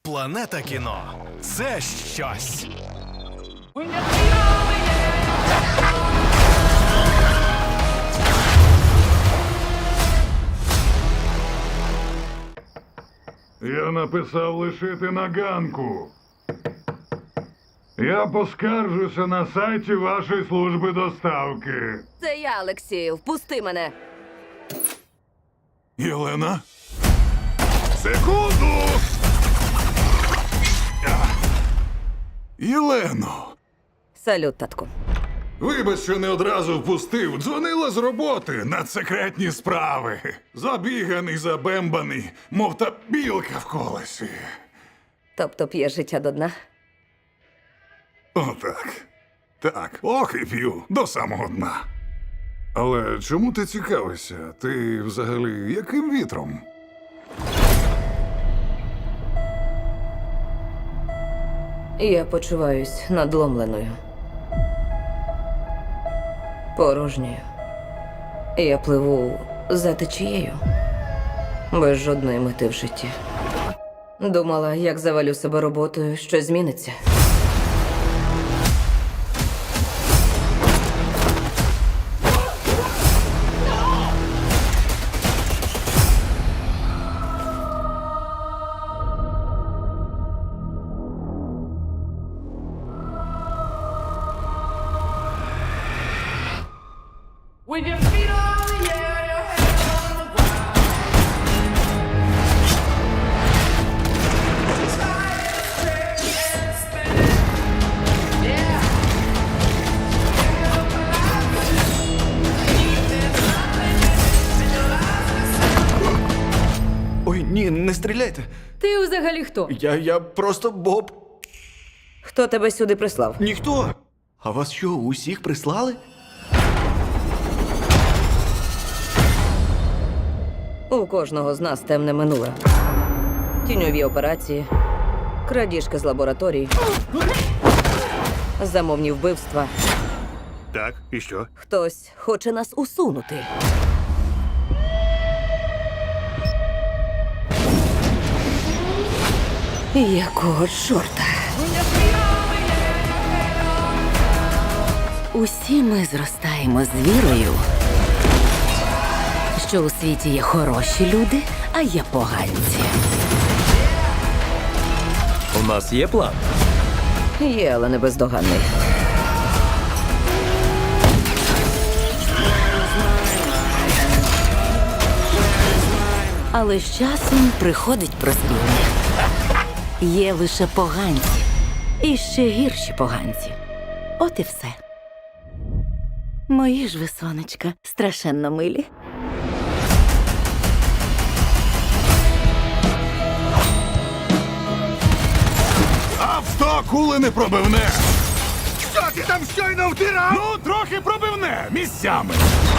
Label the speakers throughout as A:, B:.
A: Планета кіно – це щось.
B: Я написав лишити на ганку. Я поскаржуся на сайті вашої служби доставки.
C: Це я, Олексію. Впусти мене.
B: Єлена? Секунду! Єлено!
C: Салют, татку.
B: Вибач, що не одразу впустив. Дзвонила з роботи на секретні справи. Забіганий, забембаний, мов та білка в колесі.
C: Тобто п'єш життя до дна?
B: Отак. Так, ох і п'ю до самого дна. Але чому ти цікавишся? Ти взагалі яким вітром?
C: Я почуваюсь надломленою. Порожньою. Я пливу за течією. Без жодної мети в житті. Думала, як завалю себе роботою, що зміниться.
D: With your feet on the air, your head on the ground. Try to stay and spin it. Yeah.
E: Ой, ні, не стріляйте.
C: Ти взагалі хто?
E: Я просто Боб.
C: Хто тебе сюди прислав?
E: Ніхто. А вас що, усіх прислали?
C: У кожного з нас темне минуле. Тіньові операції, крадіжки з лабораторій, замовні вбивства.
F: Так, і що?
C: Хтось хоче нас усунути. Якого чорта?
G: Усі ми зростаємо з вірою, що у світі є хороші люди, а є поганці.
A: У нас є план.
C: Є, але не бездоганний.
G: Але з часом приходить прозріння. Є лише поганці. І ще гірші поганці. От і все. Мої ж ви, сонечка, страшенно милі.
B: Авто кули не пробивне!
F: Що ти там щойно втирав?
B: Ну, трохи пробивне місцями.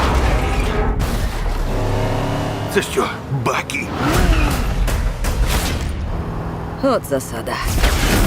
F: Це що, Бакі?
C: От засада.